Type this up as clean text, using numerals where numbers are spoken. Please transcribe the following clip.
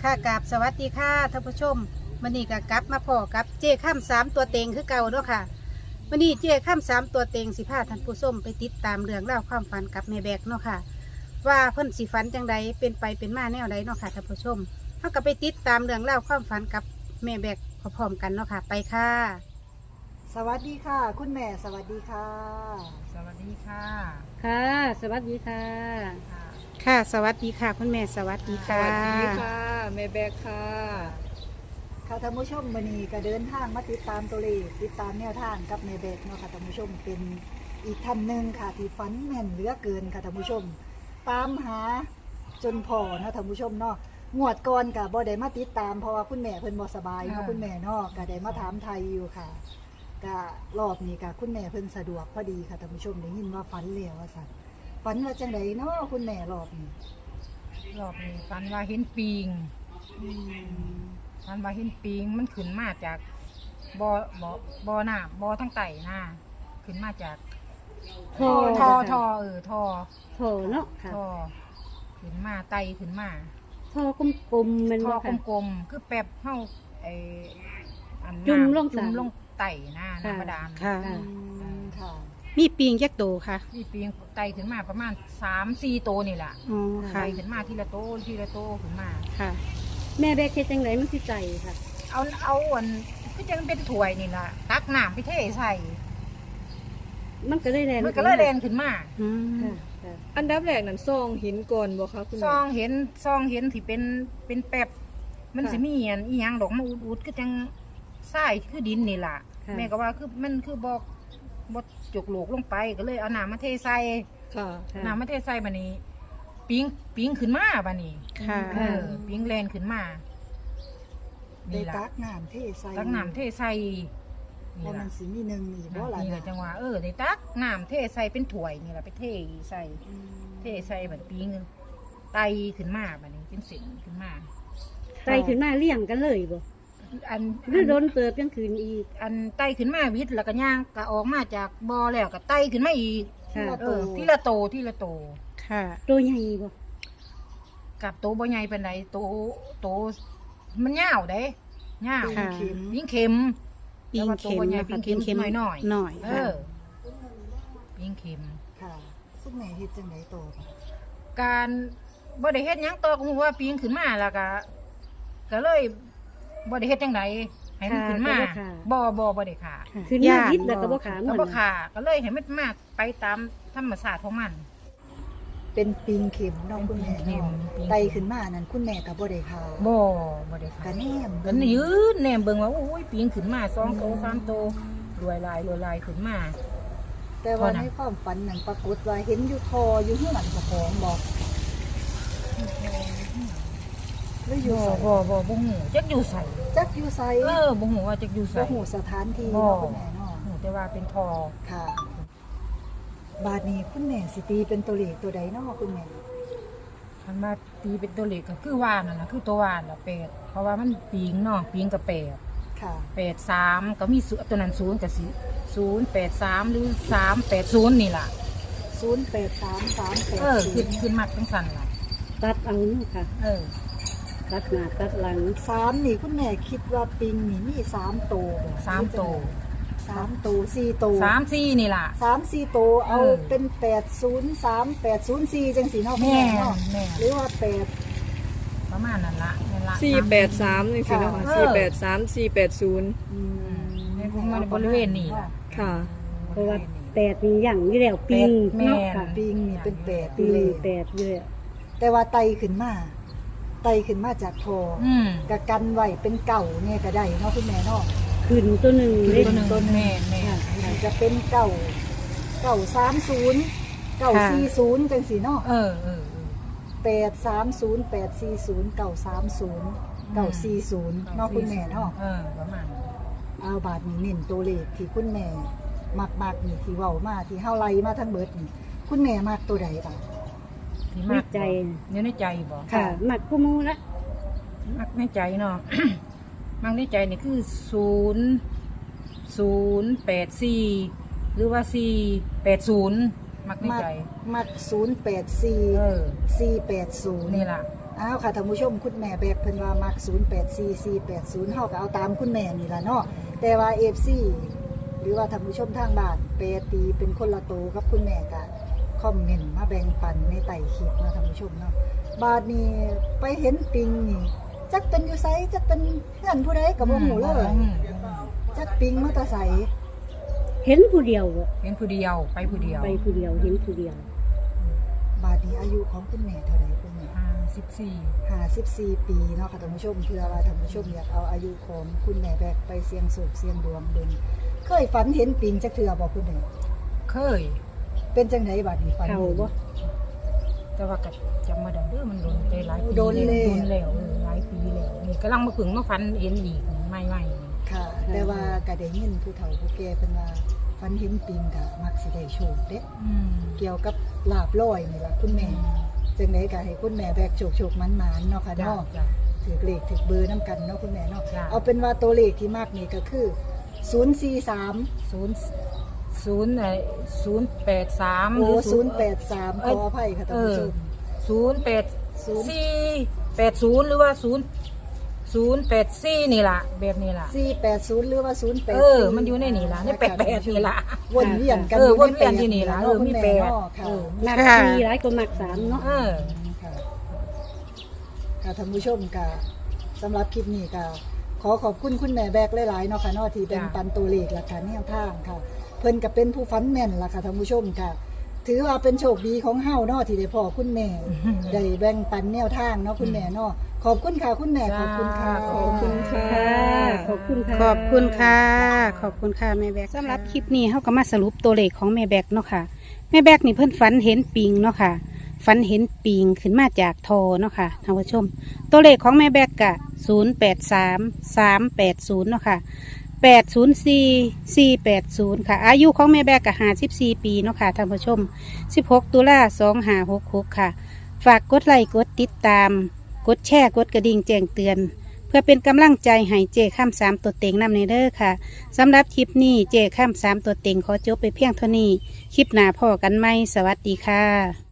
ค่ะกราบสวัสดีค่ะท่านผู้ชมวันนี้ก็กลับมาพอกับเจ้ข้ามสามตัวเต็งคือเก่าเนาะค่ะวันนี้เจ้ข้ามสามตัวเต็งสิพาท่านผู้ชมไปติดตามเรื่องเล่าวความฝันกับแม่แบกเนาะค่ะ ว่าเพิ่นสิฝันจังใดเป็นไปเป็นมาแนวใดเนาะค่ะท่านผู้ชมเขาก็ไปติดตามเรื่องเล่าวความฝันกับแม่แบกพร้อมๆกันเนาะค่ะไปค่ะสวัสดีค่ะ คุณแม่สวัสดีค่ะสวัสดีค่ะค่ะ สวัสดีค่ะค่ะสวัสดีค่ะคุณแม่สวัสดีสค่ะวัสดีค่ะแม่แบกค่ะค่ะท่านผู้ชมวันนี้ก็เดินทางมาติดตามตัวเลขติดตามแนวทางกับแม่เบกเนาะค่ะท่านผู้ชมเป็นอีกท่านหนึ่งค่ะที่ฝันแม่นเหลือเกินค่ะท่านผู้ชม ตามหาจนพอนะท่านผู้ชมเนาะงวดก่อนกับบ่ได้มาติดตามเพราะว่าคุณแม่เพิ่นบ่สบายเนาะคุณแม่เนาะก็ได้มาถามไทยอยู่ค่ะก็รอบนี้ก็คุณแม่เพิ่นสะดวกพอดีค่ะท่านผู้ชมได้ยินว่าฝันแล้วว่าซั่นฝันว่าจังไดเนาะคุณแม่รอบนี้รอบนี้ฟันว่าเห็นปิงฟันว่าเห็นปิงมันขึ้นมาจากบ่อน้ำบ่อทั้งไต่น่ะขึ้นมาจากท่อท่อค่ะท่อโถเนาะค่ะท่อขึ้นมาไต่ขึ้นมาท่อกลมๆเป็นท่อบ่ค่ะกลมๆคือแป๊บเฮาไอ้อันน้ำจุ่มลงจุ่มสระลงไต่น่ะค่ะน้ำบาดาลค่ะค่ะค่ะมีปีงแยกโตค่ะนี่ปิงไต่ขึ้นมาประมาณ 3-4 ตัวนี่แหละอ๋อค่ะไต่ขึ้นมาทีละโตทีละโตขึ้นมาค่ะแม่แบกเฮ็ดจังไดมันสิใจค่ะเอาอันคือจังเป็นถ้วยนี่ล่ะตักน้ำไปเทใส่มันก็เลยแรงมันก็เลยแรงขึ้นมาอืมค่ะค่ะอันดับแรกนั้นซองหินก่อนบ่คะคุณซแม่องเห็นที่เป็นแป๊บมันสิมีอันอีหยังดอกมาอุดๆก็จังทรายคือดินนี่ล่ะค่ะแม่ก็ว่าคือมันคือบ่จกโหลกลงไปก็เลยเอาน้ำมาเทใส่ค่ะค่ะน้ำมาเทใส่บัดนี้ปิงขึ้นมาบัดนี้ค่ะเออปิงแลนขึ้นมาได้นี่ล่ะตักน้ำเทใส่ตักน้ำเทใส่เพนี่ราะมัล่ะนสิมีหนึ่งอีกบ่ล่ะนี่แหละจังหวะได้ตักน้ำเทใส่เป็นถ้วยนี่ล่ะไปเทใส่ เทใส่บัดปิงไตขึ้นมาบัดนี้เป็นสินขึ้นมาใจขึ้นมาเลี้ยงกันเลยบ่อันหรือโดนเติบยังคืนอีกอันไตขึ้นมาวิทย์แล้วก็ย่างก็ออกมาจากบ่อแล้วก็ไตขึ้นมาอีกค่ะทีละโตทีละโตค่ะตัวใหญ่บ่กับโตบ่ใหญ่ปานใดโตมันยาวเด้ยาวค่ะเข็มปิงเข็มปีงเข็มแต่ว่าตัวบ่ใหญ่นะคะปีงเข็มหน่อยๆหน่อยเอค่ะอปิงเข็มค่ะคุณแม่เฮ็ดจังไดต่อค่ะการบ่ได้เฮ็ดหยังต่อก็ฮู้ว่าปิงขึ้นมาแล้วก็เลยบ่ได้เฮ็ดจังไดให้มันขึ้นมาบ่ได้ค่ะขึ้นมาวิดแล้วก็บ่ขาเหมืก็อนบ่ค่ะก็เลยให้มันมาไปตามธรรมชาติของมันเป็นปิงเข็มเนาะคุณแม่เป็นปิงเข็มเนาะไตขึ้นมานั่นคุณแม่ก็บ่ได้ค่ะบ่ได้กะค่ะแนมก็ยืนแนมเบิ่งว่าโอ้ยปิงขึ้นมา2โต3โตรวยลายขึ้นมาแต่ว่าพอนะในความฝันนั่นปรากฏว่าเห็นอยู่คออยู่เฮือนเจ้าของบอกหรืออยู่ไสบ่ฮู้จักอยู่ไสจักอยู่ไสบ่ฮู้ว่าจักอยู่ไสบ่ฮู้สถานที่บ่เนาะคุณแม่เนาะฮู้แต่ว่าเป็นทอค่ะ บาดนี้คุณแม่สิตีเป็นตัวเลขตัวใดเนาะคุณแม่คันมาตีเป็นตัวเลขก็คือว่านั่นน่ะคือตัวว่าน่ะ8เพราะว่ามันปิงเนาะปิงก็8 ค่ะ 83ก็มีตัวนั้น0ก็สิ083หรือ380นี่ล่ะ 083380 ขึ้นมักจังซั่นล่ะตัดเอาเนาะค่ะ ตัดหน้าตัดหลัง 3นี่คุณแม่คิดว่าปิงนี่มี3โตวบ่ 3โต 3โตว4โตว 3-4นี่ล่ะ 3-4โตวเอาเป็น803 804จังซี่เนาะคุณแม่แม่เนาะแม่หรือว่าประมาณนั้นละนั่นละ 483จังซี่เนาะค่ะ483 480 อืมในบริเวณนี้ล่ะค่ะเพราะว่าแปดนี่อย่างอยู่แล้วปิงแม่เนาะค่ะปิงนี่เป็น8 ปิอยู่งเลยแปดอยู่แล้วแต่ว่าไตขึ้นมาจากคออืมกะกันไว้เป็นเก่าเนี่ยก็ได้เนาะคุณแม่เนาะขึ้นตัวหนึ่งคือเล่นตัวหนึ่งแม่แม่จะเป็น930 940จังซี่เนาะเออ 830 840 930 940เนาะคุณแม่เนาะประมาณนั้นเอาบาทนี้เน้นตัวเลขที่คุณแม่มักนี่ที่เว้ามาที่เฮาไล่มาทั้งเบิดนี่คุณแม่มักตัวใดบ่าที่ในมักใจอยู่ในใจบ่ค่ะมักกูมูละมักในใจเนาะ มักในใจนี่คือ084หรือว่า480มักในใจมัก084 เออ 480 นี่ล่ะอ้าวค่ะท่านผู้ชมคุณแม่แบกเพิ่นว่ามัก084480เฮาก็เอาตามคุณแม่นี่ล่ะเนาะแต่ว่า FC หรือว่าท่านผู้ชมทางบ้านแปรตีเป็นคนละโตกับคุณแม่ก็คอมเมนต์มาแบ่งปันในใต้คลิปเนาะท่านผู้ชมเนาะบาดนี้ไปเห็นปิงนี่จักเป็นอยู่ไสจักเป็นเพื่อนผู้ใดก็บ่ฮู้เลยจักปิงมาแตะไสเห็นผู้เดียวอะเห็นผู้เดียวไปผู้เดียวไปผู้เดียวเห็นผู้เดียวบาดนี้อายุของคุณแม่เท่าใดคุณแม่ 54 54 ปีเนาะค่ะท่านผู้ชมเพื่อว่าท่านผู้ชมอยากเอาอายุของคุณแม่แบกไปเสี่ยงโชคเสี่ยงดวงเบิ่งเคยฝันเห็นปิงจักเทื่อบ่คุณแม่เคยเป็นจังไดบัดนี้ฝันเขาเห็นบ่แต่ว่าก็จำมาได้เด้อมันโดนไปหลายปีโดนแล้วโดนแล้วหลายปีแล้วนี่กำลังมาฝึงมาฟันเอ็นอีกใหม่ๆค่ะ แต่ว่าก็ได้ยินผู้เฒ่าผู้แก่เพิ่นว่าฝันเห็นปิงก็มักสิได้โชคเด้ เกี่ยวกับลาบลอยนี่ล่ะคุณแม่จังไดก็ให้คุณแม่แบกโชคๆมันๆเนาะค่ะจ้าเนาะจ้าถือเลขถือเบอร์นํกันเนาะคุณแม่เนาะจ้ะเอาเป็นว่าตัวเลขที่มักนี่ก็คือ043 083 โอ้083ขออภัยค่ะท่านผู้ชม 080หรือว่า084นี่ล่ะแบบนี้ล่ะ 480หรือว่า084 มันอยู่ในนี่ล่ะใน88นี่ล่ะวนเวียนกันวนเวียนอยู่นี่ล่ะเนาะคุณมีแม่แปดเนาะค่ะมักค่ะ 4หลายกว่ามัก3เนาะค่ะค่ะท่านผู้ชมก็สำหรับคลิปนี้ก็ขอขอบคุณคุณแม่แบกหลายๆเนาะค่ะเนาะที่เป็นปันตัวเลขและการแนวทางค่ะ เพิ่นก็เป็นผู้ฟันแม่นล่ะค่ะท่านผู้ชมค่ะ ถือว่าเป็นโชคดีของเฮาเนาะที่ได้พ่อคุณแม่ได้แบ่งปันแนวทางเนาะคุณแม่เนาะขอบคุณค่ะคุณแม่ขอบคุณค่ะขอบคุณค่ะขอบคุณค่ะขอบคุณค่ะ ขอบคุณค่ะแม่แบกสำหรับคลิปนี้เขาก็มาสรุปตัวเลขของแม่แบกเนาะค่ะแม่แบกนี่เพิ่นฝันเห็นปิงเนาะค่ะฝันเห็นปิงขึ้นมาจากทอเนาะค่ะท่านผู้ชม ตัวเลขของแม่แบกกะ083380เนาะค่ะ804480ค่ะ อายุของแม่แบกกะ54 ปีเนาะค่ะท่านผู้ชม16 ตุลา2566ค่ะ ฝากกดไลค์กดติดตาม กดแชร์กดกระดิ่งแจ้งเตือน เพื่อเป็นกำลังใจให้เจข้าม3ตัวเต็งนำในเด้อค่ะสำหรับคลิปนี้เจข้าม3ตัวเต็งขอจบไปเพียงเท่านี้ คลิปหน้าพ่อกันไหมสวัสดีค่ะ